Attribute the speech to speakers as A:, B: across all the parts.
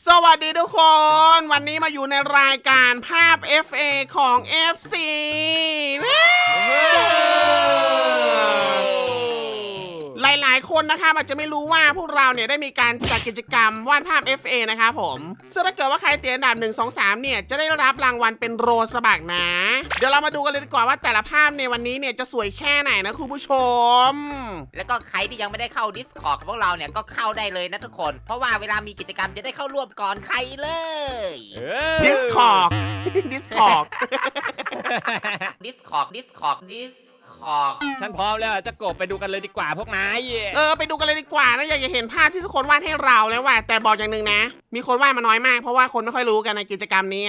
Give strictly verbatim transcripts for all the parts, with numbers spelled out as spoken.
A: สวัสดีทุกคน วันนี้มาอยู่ในรายการภาพ เอฟ เอ ของ เอฟ ซี หลายๆคนนะคะอาจจะไม่รู้ว่าพวกเราเนี่ยได้มีการจัดกิจกรรมวาดภาพ เอฟ เอ นะคะผมซึ่งถ้าเกิดว่าใครเตียนอันดับหนึ่ง สอง สามเนี่ยจะได้รับรางวัลเป็นโรสบักนะ เดี๋ยวเรามาดูกันเลยดีกว่าว่าแต่ละภาพในวันนี้เนี่ยจะสวยแค่ไหนนะคุณผู้ชม
B: แล้วก็ใครที่ยังไม่ได้เข้า Discord ของพวกเราเนี่ยก็เข้าได้เลยนะทุกคนเพราะว่าเวลามีกิจกรรมจะได้เข้าร่วมก่อนใครเลย
A: Discord Discord
B: Discord Discord Discord
C: ฉันพร้อมแล้วจะกบไปดูกันเลยดีกว่าพวกนาย
A: เออไปดูกันเลยดีกว่านะอยากจะเห็นภาพที่ทุกคนวาดให้เราแล้วว่าแต่บอกอย่างหนึ่งนะมีคนวาดมาน้อยมากเพราะว่าคนไม่ค่อยรู้กันในกิจกรรมนี้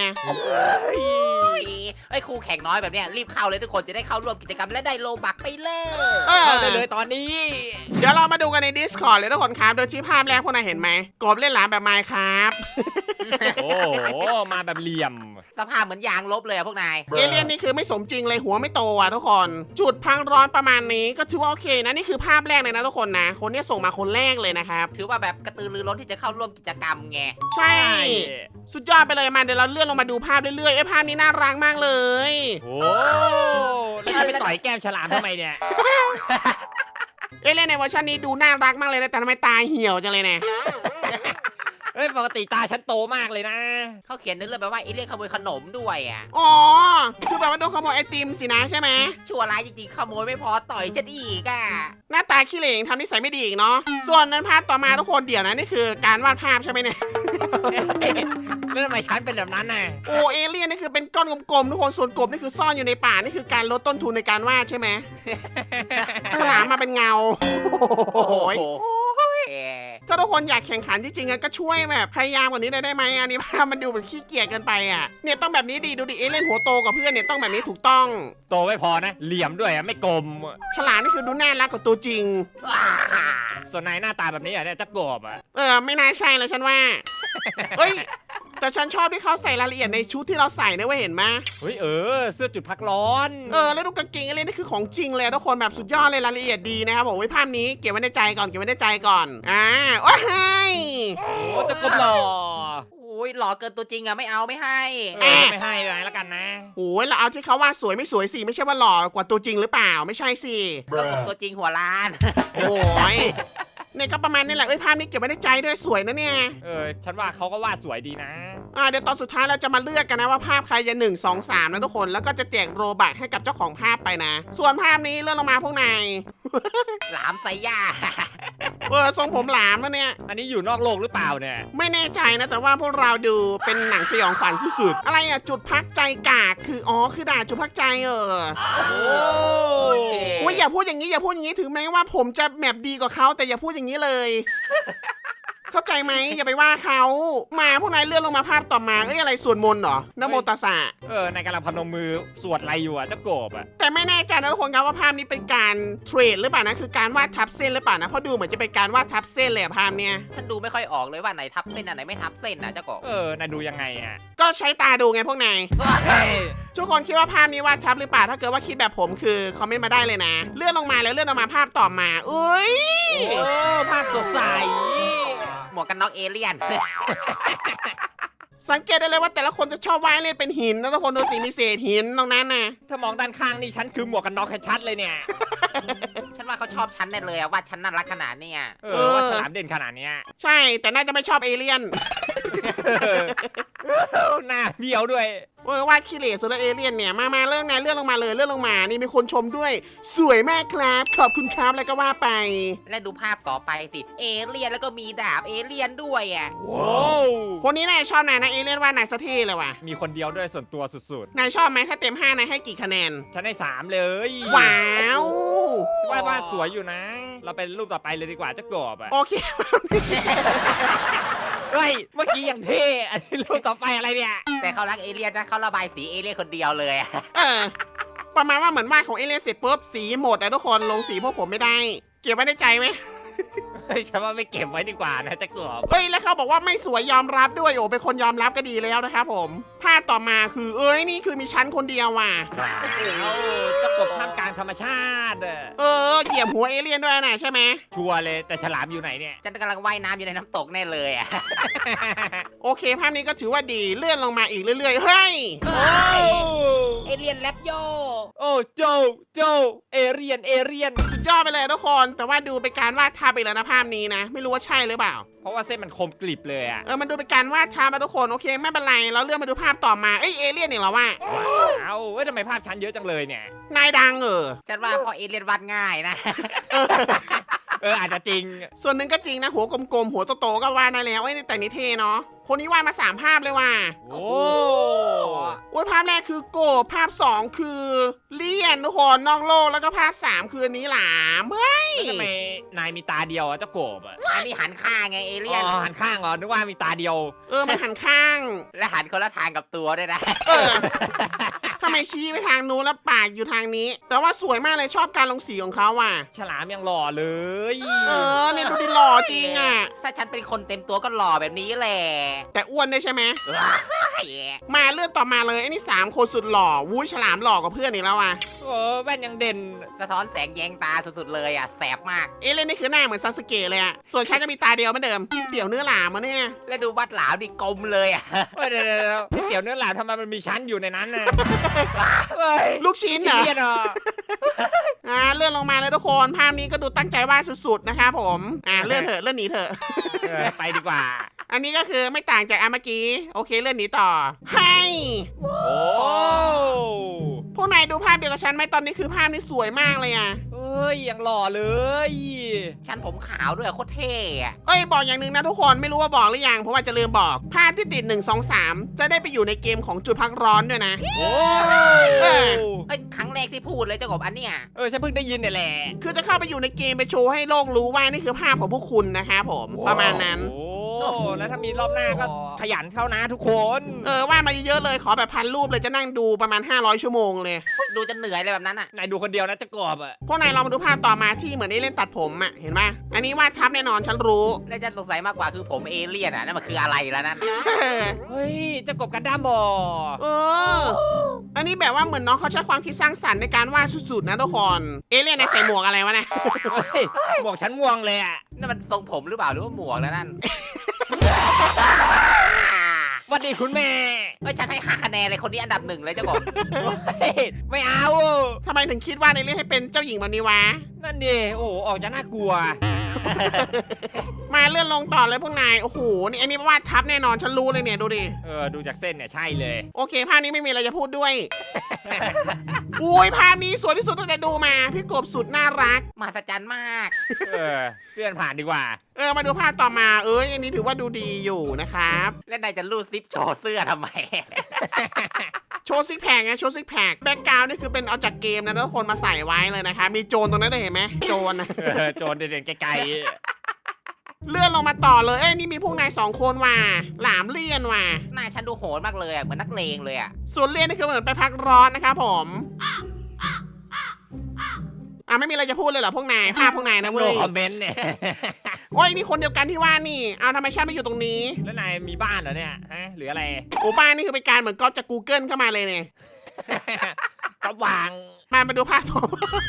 B: ไอ้ครูแข่งน้อยแบบเนี้ยรีบเข้าเลยทุกคนจะได้เข้าร่วมกิจกรรมและได้โลบักไปเลย
A: เข้า
C: ได้เลยตอนนี้
A: เดี๋ยวเรามาดูกันใน Discord เลยทุกคนครับโดยที่ภาพแรกพวกนายเห็นไหมกบเล่นหลามแบบไมค์ครับ
C: โอ้โหมาแบบเหลี่ยม
B: สภาพเหมือนยางลบเลยอะพวกนาย
A: เอเลี่ยนนี่คือไม่สมจริงเลยหัวไม่โตอ่ะทุกคนจุดพังร้อนประมาณนี้ก็ถือว่าโอเคนะนี่คือภาพแรกเลยนะทุกคนนะคนนี้ส่งมาคนแรกเลยนะครับ
B: ถือว่าแบบกระตือรือร้นที่จะเข้าร่วมกิจกรรมไง
A: ใช่สุดยอดไปเลยมาเดี๋ยวเราเลื่อนลงมาดูภาพเรื่อยๆไอ้ภาพนี้น่ารักมากเลย
C: โอ้แล้วไปต่อยแก้มฉลามทำไมเนี่ย
A: เอเลี่ยนในเวอร์ชันนี้ดูน่ารักมากเลยนะแต่ทำไมตาเหี่ยวจังเลยเนี่ย
C: เฮ้ยปกติตาฉันโตมากเลยนะ
B: เขาเขียนเรื่องแบบว่าไอ้เรื่องขโมยขนมด้วยอ่ะ
A: อ๋อคือแบบว่าโดนขโมยไอติมสินะใช่ไหม
B: ชั่วร้ายจริงๆขโมยไม่พอต่อยฉันอีกอ่ะ
A: หน้าตาขี้เหร่ทำนิสัยไม่ดีอีกเนาะส่วนนั้นภาพต่อมาทุกคนเดี๋ยวนะนี่คือการวาดภาพใช่ไหมเนี่ย
C: แล้วทำไมฉันเป็นแบบนั้นน่ะ
A: โอเอเลี่ยนนี่คือเป็นก้อนกลมๆทุกคนส่วนกบนี่คือซ่อนอยู่ในป่านี่คือการลดต้นทุนในการวาดใช่ไหมฉลามมาเป็นเงาโอ้ยถ้าทุกคนอยากแข่งขันจริงๆก็ช่วยแบบพยายามกว่านี้ได้ไหมอันนี้ภาพมันดูแบบขี้เกียจเกินไปอ่ะเนี่ยต้องแบบนี้ดีดูดิเอเลี่ยนหัวโตกว่าเพื่อนเนี่ยต้องแบบนี้ถูกต้อง
C: โตไม่พอนะเหลี่ยมด้วยอ่ะไม่กลม
A: ฉลามนี่คือดูน่ารักกว่าตัวจริง
C: ส่วนนายหน้าตาแบบนี้อ่ะเนี่ยจะกบอ่ะ
A: เออไม่น่าใช่เลยฉันว่าเฮ้ยแต่ฉันชอบที่เขาใส่รายละเอียดในชุดที่เราใส่นะเว้ยเห็นไหม
C: เฮ้ยเออเสื้อจุดพักร้อน
A: เออแล้วดูกางเกงอะไรนี่คือของจริงเลยทุกคนแบบสุดยอดเลยรายละเอียดดีนะครับผมไว้ภาพนี้เก็บไว้ในใจก่อนเก็บไว้ในใจก่อนอ่าโอ้ย
C: โอ้จะกบหล่อ
B: โอ้ยหล่อเกินตัวจริงอะไม่เอาไม่ให้
C: เออไม่ให้เลยแล้วกันนะ
A: โอ้ยเราเอาที่เขาว่าสวยไม่สวยสิไม่ใช่ว่าหล่อกว่าตัวจริงหรือเปล่าไม่ใช่สิ
B: ก็กบตัวจริงหัวล้าน
A: โอ้ยเนี่ยก็ประมาณนี้แหละเอ้ยภาพนี้เก็บไว้ในใจด้วยสวยนะเนี่ย
C: เออฉันว่าเขาก็วาดสวยดีนะ
A: อ่าเดี๋ยวตอนสุดท้ายเราจะมาเลือกกันนะว่าภาพใครจะหนึ่ง สอง สามนะทุกคนแล้วก็จะแจกโรบัคให้กับเจ้าของภาพไปนะส่วนภาพนี้เลื่อนลงมาพวกนาย
B: หลามไซย่า
A: เออทรงผมหลามแล้วเนี่ย
C: อันนี้อยู่นอกโลกหรือเปล่าเนี่ย
A: ไม่แน่ใจนะแต่ว่าพวกเราดูเป็นหนังสยองขวัญสุดๆอะไรอะจุดพักใจกากคืออ๋อคือด่าจุดพักใจเออโอ้ยอย่าพูดอย่างนี้อย่าพูดอย่างนี้ถึงแม้ว่าผมจะแมปดีกว่าเขาแต่อย่าพูดอย่างนี้เลยเข้าใจไหมอย่าไปว่าเขามาพวกนายเลื่อนลงมาภาพต่อมาเอ้ยอะไรสวดมนต์เหรอนะโมตัสสะ
C: เออนายกำลังพนมมือสวดอะไรอยู่อ่ะเจ้ากบอ่ะ
A: แต่ไม่แน่ใจนะทุกคนครับว่าภาพนี้เป็นการเทรดหรือเปล่านะคือการวาดทับเส้นหรือเปล่านะเพราะดูเหมือนจะเป็นการวาดทับเส้นเลยภาพเนี้ย
B: ฉันดูไม่ค่อยออกเลยว่าไหนทับเส้นอันไหนไม่ทับเส้นนะเจ้ากบ
C: เออนายดูยังไงอ่ะ
A: ก็ใช้ตาดูไงพวกนายทุกคนคิดว่าภาพนี้วาดทับหรือเปล่าถ้าเกิดว่าคิดแบบผมคือคอมเมนต์มาได้เลยนะเลื่อนลงมาแล้วเลื่อนลงมาภาพต่อมาอุ้ย
C: โอ้ภาพสดใส
B: หมวกกันน็อกเอเลี่ยน
A: สังเกตได้เลยว่าแต่ละคนจะชอบวาดเล่นเป็นหินแล้วทุกคนดูสิมีเศษหินตรงนั้นนะ
C: ถ้ามองด้านข้างนี่ฉันคือหมวกกันน็อกชัดเลยเนี่ย
B: ฉันว่าเขาชอบฉันแน่เลยว่าฉันน่ารักขนาดนี้
C: เออว่าฉลามเด่นขนาดนี้
A: ใช่แต่น่าจะไม่ชอบเอเลี่ยน
C: หน้าเบี้ยวด้วย
A: เออวาดขี้เหร่สุดละเอเลี่ยนเนี่ยมามาเรื่องไหนเลื่อนลงมาเลยเลื่อนลงมานี่มีคนชมด้วยสวยมากครับขอบคุณครับแล้วก็ว่าไป
B: และดูภาพต่อไปสิเอเลี่ยนแล้วก็มีดาบเอเลี่ยนด้วยอ่ะ
C: ว้าว
A: คนนี้นายชอบนายนะเอเลี่ยนว่านายสะเท่เลยว่ะ
C: มีคนเดียวด้วยส่วนตัวสุด
A: ๆนายชอบไหมถ้าเต็มห้านายให้กี่คะแนน
C: ฉันให้สามเลย
A: ว้าว
C: วาดวาดสวยอยู่นะเราไปรูปต่อไปเลยดีกว่าเจ้ากบอ่ะ
A: โอเค
C: เฮ้ยเมื่อกี้ยังเท่อันนี้รูปต่อไปอะไรเนี่ย
B: แต่เขารักเอเลี่ยนนะเขาระบายสีเอเลี่ยนคนเดียวเลย
A: เออประมาณว่าเหมือนวาดของเอเลี่ยนเสร็จปุ๊บสีหมดแต่ทุกคนลงสีพวกผมไม่ได้เก็บไว้ในใจไหม
C: เฮ้ยฉันว่าไม่เก็บไว้ดีกว่านะจะกบ
A: เฮ้ยแล้วเขาบอกว่าไม่สวยยอมรับด้วยโอ้เป็นคนยอมรับก็ดีแล้วนะครับผมภาพต่อมาคือเอ้ยนี่คือมีชั้นคนเดียวว่ะ
C: เอาจะกบท่ามกลางธรรมชาติอะ
A: เออเหยียบหัวเอเลี่ยนด้วยนะใช่ไหม
C: ชัวร์เลยแต่ฉลามอยู่ไหนเนี่ย
B: ฉันกำลังว่ายน้ำอยู่ในน้ำตกแน่เลยอ่ะ
A: โอเคภาพนี้ก็ถือว่าดีเลื่อนลงมาอีกเรื่อยๆเฮ้ย
C: โอ้
B: เอเลียนแลบโย
C: โอ้โจโจเอเรียนเอเรียน
A: สุดยอดไปเลยทุกคน แต่ว่าดูเป็นการวาดทาไปแล้วนะภาพนี้นะ ไม่รู้ว่าใช่หรือเปล่า
C: เพราะว่าเส้นมันคมกริบเลยอะ
A: เออมันดูเป็นการวาดทามาทุกคนโอเคไม่เป็นไรเราเลื่อนมาดูภาพต่อมาเอ้ยเอเลี่ยนเนี่ยเหรอวะ
C: ว้าวเว้ยทำไมภาพชั้นเยอะจังเลยเนี่ย
A: นายดังเออ
B: ฉันว่าพอเอเลียนวาดง่ายนะ
C: เอออาจจะจริง
A: ส่วนหนึ่งก็จริงนะหัวกลมๆหัวโตๆก็วาดได้แล้วไอ้ยแต่นี่เท่เนาะคนนี้วาดมาสามภาพเลยว่ะ
C: โอ้
A: โอ้ยภาพแรกคือโกบภาพสองคือเลี่ยนทุกคนนอกโลกแล้วก็ภาพสามคืออันนี้หลามเฮ้ย
C: แล้วทำไมนายมีตาเดียวอะเจ้าโกบอะ
B: อันนี้หันข้างไงเอเลียน
C: อ๋อหันข้างเหรอนึกว่ามีตาเดียว
A: เออมันหันข้าง
B: และหันคนละทางกับตัวด้วยนะ
A: เออทำไมชี้ไปทางนู้นแล้วปากอยู่ทางนี้ แต่ว่าสวยมากเลยชอบการลงสีของเขาว่ะ
C: ฉลามยังหล่อเลย
A: เออเนี่ยดูดิหล่อจริงอ่ะ
B: ถ้าฉันเป็นคนเต็มตัวก็หล่อแบบนี้แหละ
A: แต่อ้วนด้วยใช่ไหม
B: ว้าย
A: มาเลื่อนต่อมาเลยไอ้นี่สามคนสุดหล่อวุ้ยฉลามหล่อกว่าเพื่อนอีกแล้วอ่ะ
C: โอ้แว่นยังเด่น
B: สะท้อนแสงแยงตาสุดๆเลยอ่ะแสบมาก
A: เอะเล่นนี่คือหน้าเหมือนซาสเกะเลยอ่ะส่วนฉันจะมีตาเดียวเหมือนเดิมกินเตี๋ยวเนื้อหลามมาเนี่ย
B: และดูวัดหลามดิกลมเลยอ่ะ
C: เฮ้ยเดี๋ยวเดี๋ยวเดี๋ยวนี่เตี๋ยวเนื้อหลามทำไมมันมีชั้นอยู่ในนั้นน่ะเฮ้ย
A: ลูกชิ้นเหรอ
C: เลียนเหรอ
A: อ่าเลื่อนลงมาเลยทุกคนภาพนี้ก็ดูตั้งใจวาดสุดๆนะครับผมอ่าเลื่อนเถอะเลื่อนหนีเถอะ
C: เออไปดีกว่า
A: อันนี้ก็คือไม่ต่างจากอันเมื่อกี้โอเคเลื่อนหนีต่อให้
C: โอ้
A: พวกนายดูภาพเดียวกับฉันไหมตอนนี้คือภาพนี้สวยมากเลยอ่ะ
C: เฮ้ยยังหล่อเลย
B: ฉันผมขาวด้วยโคตรเท่อะ
A: เอ้ยบอกอย่างหนึ่งนะทุกคนไม่รู้ว่าบอกหรือยังเพราะว่าจะลืมบอกภาพที่ติดหนึ่ง สอง สามจะได้ไปอยู่ในเกมของจุดพักร้อนด้วยนะ
C: โอ้
A: เออ
B: เอ้ยครั้งแรกที่พูดเลยเจ้ากบอันเนี้ย
C: เออฉันเพิ่งได้ยินเนี่ยแหละ
A: คือจะเข้าไปอยู่ในเกมไปโชว์ให้โลกรู้ว่านี่คือภาพของพวกคุณนะครับผมประมาณนั้น
C: โอ้แล้วถ้ามีรอบหน้าก็ขยันเข้านะทุกคน
A: เออว่ามาเยอะๆเลยขอแบบพันรูปเลยจะนั่งดูประมาณห้าร้อยชั่วโมงเลย
B: ดูจะเหนื่อยเลยแบบนั้นอ่ะ
C: นายดูคนเดียวนะเจะกอบอ่ะ
A: พวกนายลองมาดูภาพต่อมาที่เหมือนได้เล่นตัดผมอ่ะเห็นไหมอันนี้วาดทับแน่นอนฉันรู้
B: และฉันสงสัยมากกว่าคือผมเอเลี่ยนอ่ะนั่นมันคืออะไรแล้วนั่น
A: เออ
C: เฮ้ยเจะกบกันด้ามบอ
A: เออ อันนี้แบบว่าเหมือนน้องเขาใช้ความคิดสร้างสรรค์ในการวาดสุดๆนะทุกคน เอเลี่ยนในใส่หมวกอะไรวะเนี่ย
C: เฮ้ยหมวกฉันม่วงเลยอ่ะ
B: นั่นมันทรงผมหรือเปล่าหรือว่าหมวกแล้วนั่น
C: สวัสดีคุณแม่
B: เอ้ยฉันให้ห้าคะแนนเลยคนนี้อันดับหนึ่งเลยเจ้ากบ
C: เฮ้ยไม่เอา
A: ทำไมถึงคิดว่าในเรื่องให้เป็นเจ้าหญิงแบบนี้วะ
C: นั่นดิโอ้โหออกจะน่ากลัว
A: มาเลื่อนลงต่อเลยพวกนาย โอ้โห นี่อันนี้วาดทับแน่นอนฉันรู้เลยเนี่ยดูดิ
C: เออดูจากเส้นเนี่ยใช่เลย
A: โอเคภาพนี้ไม่มีอะไรจะพูดด้วย อุ้ยภาพนี้สวยที่สุดตั้งแต่ดูมา พี่กบสุดน่ารัก
B: มหัศจรรย์มาก
C: เออเลื่อนผ่านดีกว่า
A: เออมาดูภาพต่อมา เอ้ยอันนี้ถือว่าดูดีอยู่นะครับ
B: และนายจะรูดซิปโชว์เสื้อทำไม
A: โชว์ซิกแพคไงโชว์ซิกแพคแบ็กกราวน์นี่คือเป็นเอาจากเกมนะทุกคนมาใส่ไว้เลยนะคะ มีโจรตรงนั้นด้วยเห็นไหมโจรนะ
C: เออโจรเด่นๆไกล
A: เลื่อนลงมาต่อเลย เอ้ยนี่มีพวกนายสองคนว่ะหลามเลี่ยนว่ะ
B: นายฉันดูโหดมากเลยอ่ะเหมือนนักเลงเลยอ่ะ
A: ส่วนเลี่ยนนี่คือเหมือนไปพักร้อนนะครับผมอ่ะไม่มีอะไรจะพูดเลยเหรอพวกนายภาพพวกนาย
C: ๆ
A: นะ
C: โน
A: เว้ย
C: คอมเมนต์เนี่ย
A: โอ้ยนี่คนเดียวกันที่ว่านี่เอาทำไมฉันไม่อยู่ตรงนี้
C: แล้วนายมีบ้านเหรอเนี่ยฮะหรืออะไร
A: โอ้บ้านนี่คือเป็นการเหมือนก๊อปจาก Google เข้ามาเลยเนี่ย
C: ก็วาง
A: มามาดูภาพต่อ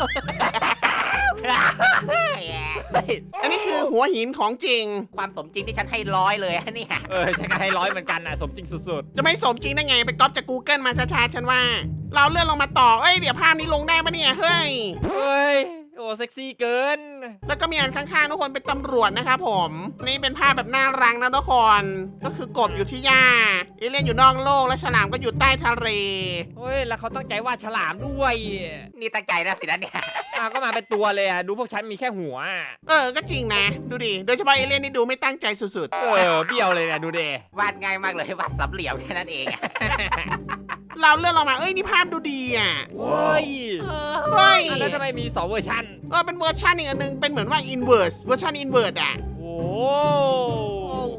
C: เฮ้ย
A: อันนี้คือหัวหินของจริง
B: ความสมจริงที่ฉันให้ร้อยเลยอะเนี่ย
C: เออฉันก็ให้ร้อยเหมือนกันอ่ะสมจริงสุด
A: จะไม่สมจริงได้ไงไปก๊อปจาก Google มาช้าๆฉันว่า เราเลื่อนลงมาต่อเอ้ยเดี๋ยวภาพนี้ลงได้ปะเนี่ยเฮ้ย
C: ๆเฮ้ยโอ้เซ็กซี่เกิน
A: แล้วก็มีอันข้างๆทุกคนเป็นตำรวจนะครับผมนี่เป็นภาพแบบน่ารักนะทุกคนก็คือกบอยู่ที่หญ้าเอเลี่ยนอยู่นอกโลกและฉลามก็อยู่ใต้ทะเล
C: เฮ้ยแล้วเขาตั้งใจวาดฉลามด้วย
B: นี่ตั้งใจนะสินะเนี่ย
C: อ่ะก็มาเป็นตัวเลยอ่ะดูพวกฉันมีแค่หัว
A: เออก็จริงนะดูดิโดยเฉพาะเอเลี่ยนนี่ดูไม่ตั้งใจสุด
C: เออเบี้ยวเลยเนี่ยดูเด
B: วาดง่ายมากเลยวาดสามเหลี่ยมแค่นั้นเองอะ
A: ๆเราเลื่อนลงมาเอ้ยนี่ภาพดูดีอ่ะ
C: เฮ้ย
A: เฮ้ย
C: อ่ะแล้วทำไมมีสองเวอร์ชัน
A: เออเป็นเวอร์ชันอีกอันหนึงเป็นเหมือนว่า inverse เวอร์ชัน inverse อ่ะ
C: โอ้
B: โอ้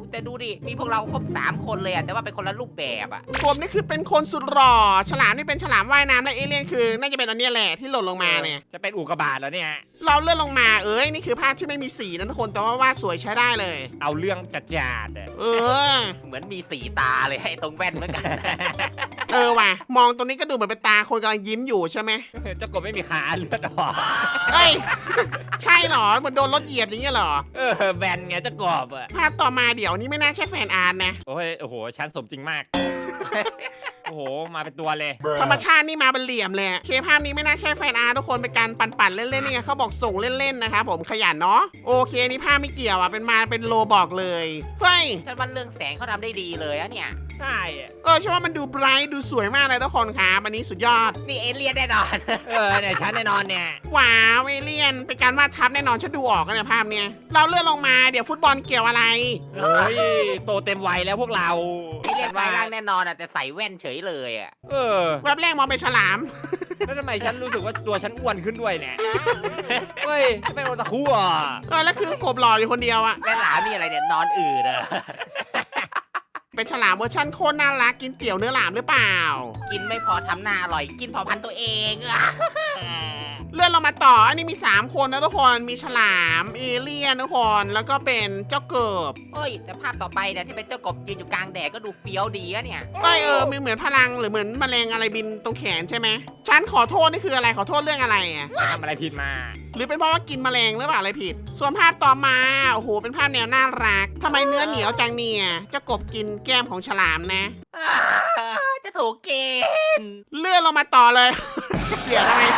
B: แต่ดูดิมีพวกเราครบสามคนเลยอะแต่ว่าเป็นคนละรูปแบบอะ
A: ผมนี่คือเป็นคนสุดหล่อฉลามนี่เป็นฉลามว่ายน้ำและเอเลี่ยนคือน่าจะเป็นอันเนี้ยแหละที่หล่นลงมาเนี่ย
C: จะเป็นอุกกาบาตแล้วเนี่ย
A: เราเลื่อนลงมาเอ้ยนี่คือภาพที่ไม่มีสีนะทุกคนแต่ว่าวาดสวยใช้ได้เลย
C: เอาเรื่องจัดจาดๆอะ
A: เออ
B: เหมือนมีสีตาเลยให้ตรงแว่นเหมือนกัน
A: เออว่ะมองตรงนี้ก็ดูเหมือนเป็นตาคนกำลังยิ้มอยู่ใช่ไหม
C: เจ้ากบไม่มีขาเลือดออก
A: เอ้ย ใช่เหรอเหมือนโดนรถเหยียบอย่างเงี้ยเหรอ
C: เออแบนไงเจ้ากบอะ
A: ภาพต่อมาเดี๋ยวนี้ไม่น่าใช่แฟนอาร์ตนะ
C: โอ้ยโอ้โหชั้นสมจริงมาก โอ้โหมาเป็นตัวเลย
A: ธรรมชาตินี่มาเป็นเหลี่ยมเลยอะเคภาพนี้ไม่น่าใช่แฟนอาร์ตทุกคนเป็นการปั่นๆเล่นๆนี่ไงเขาบอกส่งเล่นๆนะครับผมขยันเนาะโอเคนี่ภาพไม่เกี่ยวอ่ะเป็นมาเป็นโลบอกเลยเฮ้ย
B: ฉันว่าเรื่องแสงเขาทำได้ดีเลยอะเนี่ย
C: ใช่อะ
A: เออใช่ว่ามันดูไบรท์ดูสวยมากเลยทุกคนครับอันนี้สุดยอด
B: นี่เอเลี่ยนแน่นอน
C: เออเนี่ยชั้นแน่นอนเนี่ย
A: ว้าวเอเลียนเป็นการวาดทับแน่นอนฉันดูออกกันเนี่ยภาพเนี้ยเราเลื่อนลงมาเดี๋ยวฟุตบอลเกี่ยวอะไร
C: โอ้ยโตเต็มวัยแล้วพวกเรา
B: เอเลี่ยนไฟล่างแน่นอนอะแต่ใส่แว่นเฉยเลยอะ
C: เออ
A: แวบแรกมองเป็นฉลาม
C: แล้วทำไมฉันรู้สึกว่าตัวฉันอ้วนขึ้นด้วยเนี่ยเฮ้ยจะเป็นโอตาคุอ่ะ
A: เออแล้วคือกบหล่ออยู่คนเดียวอะ
B: และหลามนี่อะไรเนี่ยนอนอืดอะ
A: เป็นฉลามเวอร์ชันโคตรน่ารักกินเตี๋ยวเนื้อหลามหรือเปล่า
B: กินไม่พอทำหน้าอร่อยกินเผาพันธุ์ตัวเองอะ
A: เลื่อนลงมาต่ออันนี้มีสามคนนะทุกคนมีฉลามเอเลี่ยนทุกคนแล้วก็เป็นเจ้าเกิบ
B: เฮ้ยแต่ภาพต่อไปเนี่ยที่เป็นเจ้ากบยืนอยู่กลางแดดก็ดูเฟี้ยวดีอะเนี่ย
A: เอ้ยเออมีเหมือนพลังหรือเหมือนแมลงอะไรบินตรงแขนใช่ไหมฉันขอโทษนี่คืออะไรขอโทษเรื่องอะไรอะ
C: ทำอะไรผิดมา
A: หรือเป็นเพราะว่ากินแมลงหรือเปล่าอะไรผิด ส่วนภาพต่อมาโอ้โหเป็นภาพแนวน่ารักทำไมเนื้อเหนียวจังเนี่ยเจ้ากบกินแก้มของฉลามนะ
B: จะถูกเกณฑ์
A: เลื่อนลงมาต่อเลย เดี๋ยวทำไม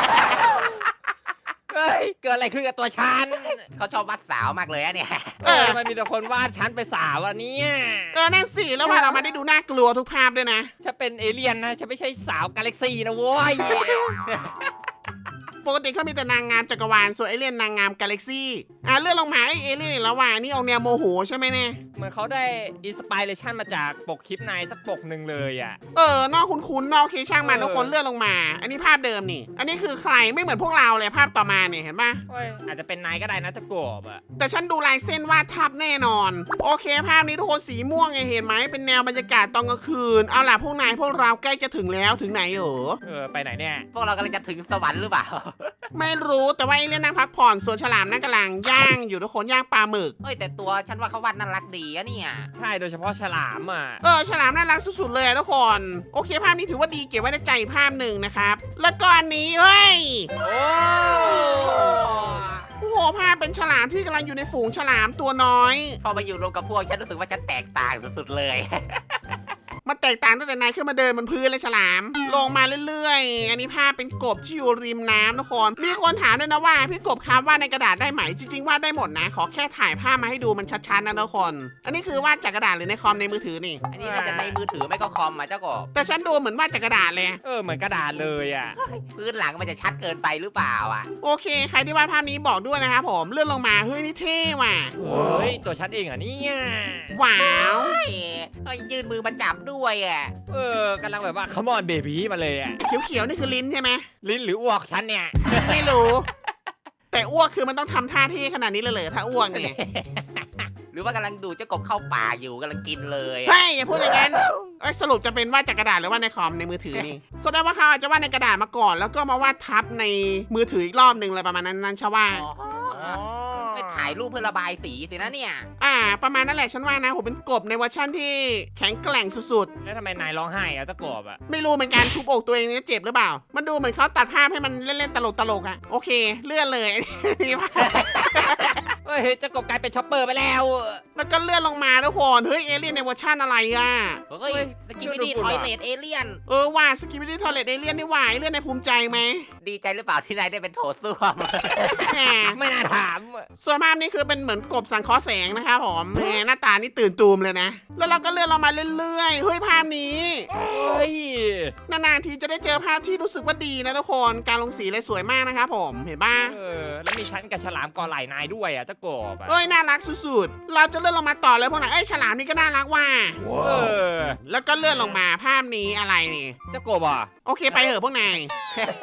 C: เฮ้ยเกิดอะไรขึ้นกับตัวฉัน
B: เขาชอบวัดสาวมากเลยอะเนี่ย
C: เออมันมีแต่คนวาดฉันไปสาวอันนี้
A: เออนั่นสิแล้วว่าเรามาได้ดูน่ากลัวทุกภาพด้วยนะ
C: ฉันเป็นเอเลี่ยนนะฉันไม่ใช่สาวกาแล็กซี่นะโว้ย
A: ปกติเขามีแต่นางงามจักรวาลส่วนเอเลี่ยนนางงามกาแล็กซี่อ่ะเลื่อนลงมาไอเอเลี่ยนอีกแล้วว่ะนี่ออกแนวโมโหใช่ไหมเนี่ย
C: เหมือนเขาได้อินสปิเรชันมาจากปกคลิปในสักปกหนึ่งเลยอ่ะ
A: เออนอกคุ้นๆนอกเคช่างมัน
C: เออ
A: ทุกคนเลื่อนลงมา อันนี้ภาพเดิมนี่ อันนี้คือใครไม่เหมือนพวกเราเลยภาพต่อมาเนี่ยเห็นปะ
C: เฮ้ยอาจจะเป็นนายก็ได้นะตะกบอ่ะ
A: แต่ฉันดูลายเส้นวาดทับแน่นอน โอเคภาพนี้ทุกคนสีม่วงไงเห็นไหมเป็นแนวบรรยากาศตอนกลางคืนเอาล่ะพวกนายพวกเราใกล้จะถึงแล้วถึงไหนเออ
C: เออไปไหนเนี่ย
B: พวกเรากำลังจะถึงสวรรค์หรือเปล่า
A: ไม่รู้แต่ว่าไอเลี่ยนนั่งพักผ่อนส่วนฉลามนั่งกำลังย่างอยู่ทุกคนย่างปลาหมึก
B: เฮ้ยแต่ตัวฉันว่าเขาวาดน่ารักดีอะเนี่ย
C: ใช่โดยเฉพาะฉลามอ่ะ
A: เออฉลามน่ารักสุดๆเลยอะทุกคนโอเคภาพนี้ถือว่าดีเก็บไว้ในใจอีกภาพหนึ่งนะครับ แล้วก็อันนี้เฮ้ย
C: โอ้
A: โอ้โหภาพเป็นฉลามที่กำลังอยู่ในฝูงฉลามตัวน้อย
B: พอมาอยู่รวมกับพวกฉันรู้สึกว่าฉันแตกต่างสุดๆเลย
A: มันแตกต่างตั้งแต่นายขึ้นมาเดินบนพื้นเลยฉลาม ลงมาเรื่อยๆ อันนี้ภาพเป็นกบที่อยู่ริมน้ำทุกคน มีคนถามด้วยนะว่าพี่กบครับวาดในกระดาษได้ไหม จริงๆวาดได้หมดนะ ขอแค่ถ่ายภาพมาให้ดูมันชัดๆนะทุกคน อันนี้คือวาดจากกระดาษหรือในคอมในมือถือนี่
B: อันนี้น่าจะในมือถือไม่ก็คอมอ่ะเจ้ากบ
A: แต่ฉันดูเหมือนวาดจากกระดาษเลย
C: เออเหมือนกระดาษเลยอ่ะ
B: พื้นหลังมันจะชัดเกินไปหรือเปล่าอ่ะ
A: โอเค ใครที่วาดภาพนี้บอกด้วยนะครับผม เลื่อนลงมา เฮ้ยนี่เท่ว่ะ
C: เฮ้ยตัวฉันเองอ่ะเนี่ย
A: ว้าว
B: เฮ้ยเฮ้ยยืนมือมาจับด้วยอ่ะ
C: เออกำลังแบบว่า come on baby มาเลยอ่ะ
A: เขียวๆนี่คือลิ้นใช่ไหม
C: ลิ้นหรืออ้วกฉันเนี่ย
A: ไม่รู้ แต่อ้วกคือมันต้องทำท่าเท่ขนาดนี้เลยเหรอถ้าอ้วกเนี่ย
B: หรือว่ากำลังดูเจ้ากบเข้าป่าอยู่กำลังกินเลยอะ
A: เฮ้ยอย่าพูดอย่างนั้นเอ้ยสรุปจะเป็นวาดจากกระดาษหรือว่าในคอมในมือถือนี่ แสดงว่าเขาอาจจะวาดในกระดาษมาก่อน แล้วก็มาวาดทับในมือถืออีกรอบหนึ่งอะไรประมาณนั้นนั่นชะว่า
B: อ๋อ
C: อ๋อ
B: ไปถ่ายรูปเพื่อระบายสีสินะเนี่ย
A: อ่า ประมาณนั้นแหละฉันว่านะผมเป็นกบในเวอร์ชั่นที่แข็งแกร่งสุด
C: แล้วทำไมนายร้องไห้อ่ะตะกบอ่ะ
A: ๆ ไม่รู้เหมือนกันทุบอกตัวเองเนี่ยเจ็บหรือเปล่า มันดูเหมือนเขาตัดภาพให้มันเล่นๆตลกๆอ่ะโอเค เลื่อนเลย นี่ภาพ
C: เฮ้ยเจ้ากบกลายเป็นช็อปเปอร์ไปแล้ว
A: แล้วก็เลื่อนลงมาทุกคนเฮ้ยเอเลี่ยนในเวอร์ชั่นอะไรอ่ะ
B: เฮ้ย
C: เฮ้ย
B: สกิปปี้ดี
C: ช่วยดู
B: ทอย
C: ฝุ่น
B: เล
C: ว่ะ
B: ตเอเลี่ยน
A: เออว่าสกิปปี้ทอเลตเอเลี่ยนนี่หว่าเอเลี่ยนในภูมิใจไหม
B: ดีใจหรือเปล่าที่นายได้เป็นโถส้วม
A: แหม
C: ไม่น่าถาม
A: ส่วนภาพนี้คือเป็นเหมือนกบสังเคราะห์แสงนะครับผมแหมหน้าตานี่ตื่นตูมเลยนะ แล้วเราก็เลื่อนเรามาเรื่อยๆ เฮ้ยภาพนี้
C: เฮ้ย
A: นานๆทีจะได้เจอภาพที่รู้สึกว่าดีนะทุกคนการลงสีเลยสวยมากนะครับผมเห็นป่ะ
C: เออแล้วมีฉันกับฉลามกอไหล่นายด้วยอ่ะตะกบอ่ะ
A: เอ้ยน่ารักสุดๆ เราจะเลื่อนลงมาต่อเลยพวกนั้นเอ้ยฉลามนี่ก็น่ารักว่ะ
C: เออ
A: แล้วก็เลื่อนลงมาภาพนี้อะไรนี่
C: เจ้ากบอ่ะ
A: โอเคไปเถอะพวกนาย เ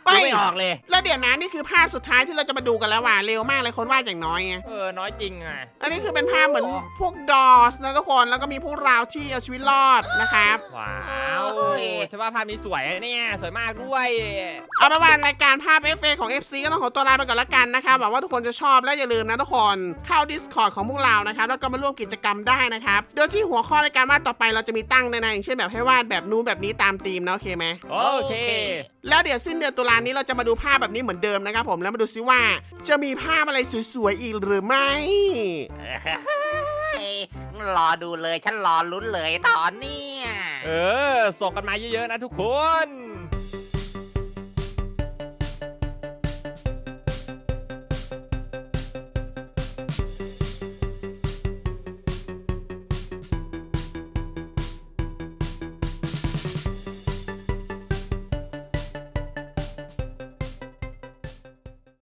A: เฮ้ย
C: ไม่ออกเลย
A: แล้วเดี๋ยวนะนี่คือภาพสุดท้ายที่เราจะมาดูกันแล้วว่ะเร็วมากเลยคนวาดอย่างน้อยไง
C: เออน้อยจริงอ่ะ
A: อันนี้คือเป็นภาพเหมือนพวกดอสนะทุกคนแล้วก็มีพวกเราที่เอาชีวิตรอดนะครับ
C: ว้าวฉันว่าภาพนี้สวยนะเนี่ยสวยมากด้วย
A: เอาเป็นว่ารายการภาพ เอฟ เอ ของ เอฟ ซี ก็ต้องขอตัวลาไปก่อนละกันนะครับหวังว่าทุกคนจะชอบและอย่าลืมนะทุกคนเข้า Discord ของพวกเรานะครับแล้วก็มาร่วมกิจกรรมได้นะครับโดยที่หัวข้อรายการวาดต่อไปเราจะมีตั้งในๆอย่างเช่นแบบให้วาดแบบนู้นแบบนี้ตามธีมนะโอเคไหม
C: โอเค
A: แล้วเดี๋ยวสิ้นเดือนตุลานี้เราจะมาดูภาพแบบนี้เหมือนเดิมนะครับผมแล้วมาดูซิว่าจะมีภาพอะไรสวยๆอีกหรือไม่
B: เฮ้ยรอดูเลยฉันรอลุ้นเลยตอนเนี้ย
C: เออส่งกันมาเยอะๆนะทุกคน